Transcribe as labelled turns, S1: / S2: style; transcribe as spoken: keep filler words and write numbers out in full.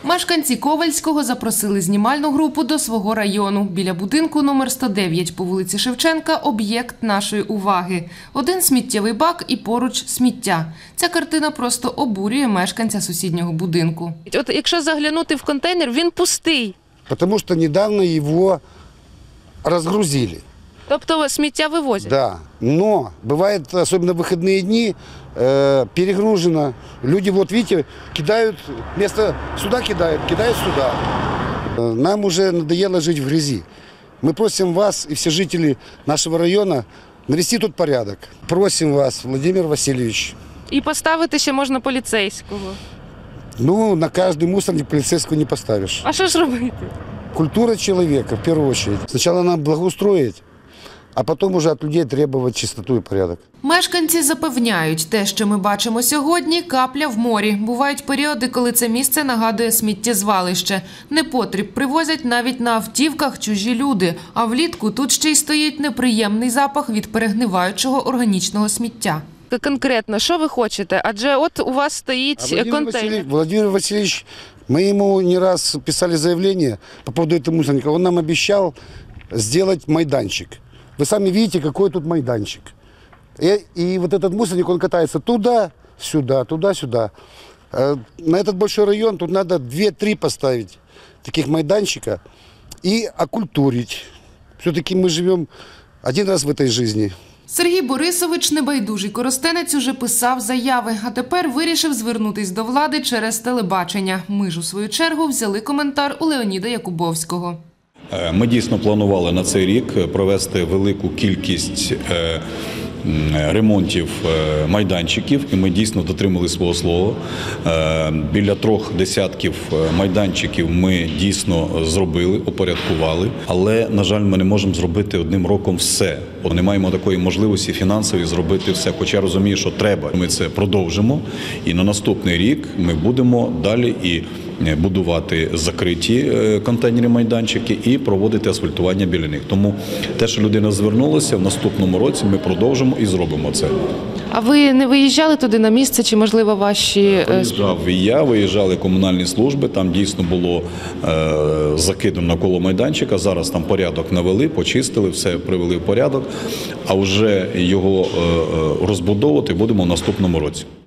S1: Мешканці Ковальського запросили знімальну групу до свого району. Біля будинку номер сто дев'ять по вулиці Шевченка – об'єкт нашої уваги. Один сміттєвий бак і поруч сміття. Ця картина просто обурює мешканця сусіднього будинку.
S2: От якщо заглянути в контейнер, він пустий.
S3: Потому что недавно его разгрузили.
S2: Тобто сміття вивозять?
S3: Да, но бывает, особенно в выходные дни, э, перегружено. Люди, вот видите, кидают, вместо сюда кидают, кидают сюда. Э, Нам уже надоело жить в грязи. Мы просим вас и все жители нашего района навести тут порядок. Просим вас, Владимир Васильевич.
S2: І поставити ще можна поліцейського.
S3: Ну, на каждый мусорник полицейского не поставишь.
S2: А що ж робити?
S3: Культура человека, в первую очередь. Сначала надо благоустроить, а потом уже от людей требовать чистоту и порядок.
S1: Мешканці запевняють, те, що ми бачимо сьогодні – капля в морі. Бувають періоди, коли це місце нагадує сміттєзвалище. Непотріб привозять навіть на автівках чужі люди, а влітку тут ще й стоїть неприємний запах від перегниваючого органічного сміття.
S2: Конкретно, що ви хочете? Адже от у вас стоїть
S3: А Владимир
S2: контейнер.
S3: Васильевич, Владимир Васильевич, мы ему не раз писали заявление по поводу этого мусорника. Он нам обещал сделать майданчик. Вы сами видите, какой тут майданчик. И, и вот этот мусорник, он катается туда-сюда, туда-сюда. На этот большой район тут надо два-три поставить таких майданчика и окультурить. Все-таки мы живем один раз в этой жизни.
S1: Сергій Борисович, небайдужий коростенець, уже писав заяви, а тепер вирішив звернутись до влади через телебачення. Ми ж, у свою чергу, взяли коментар у Леоніда Якубовського.
S4: Ми дійсно планували на цей рік провести велику кількість ремонтів майданчиків, і ми дійсно дотримали свого слова. Біля трьох десятків майданчиків ми дійсно зробили, упорядкували, але, на жаль, ми не можемо зробити одним роком все. Не маємо такої можливості фінансової зробити все, хоча я розумію, що треба. Ми це продовжимо, і на наступний рік ми будемо далі і будувати закриті контейнерні майданчики і проводити асфальтування біля них. Тому те, що людина звернулася, в наступному році ми продовжимо і зробимо це.
S2: А ви не виїжджали туди на місце, чи, можливо, ваші...
S4: Виїжджав і я, виїжджали комунальні служби, там дійсно було е, закидано навколо майданчика, зараз там порядок навели, почистили, все привели в порядок, а вже його е, розбудовувати будемо в наступному році.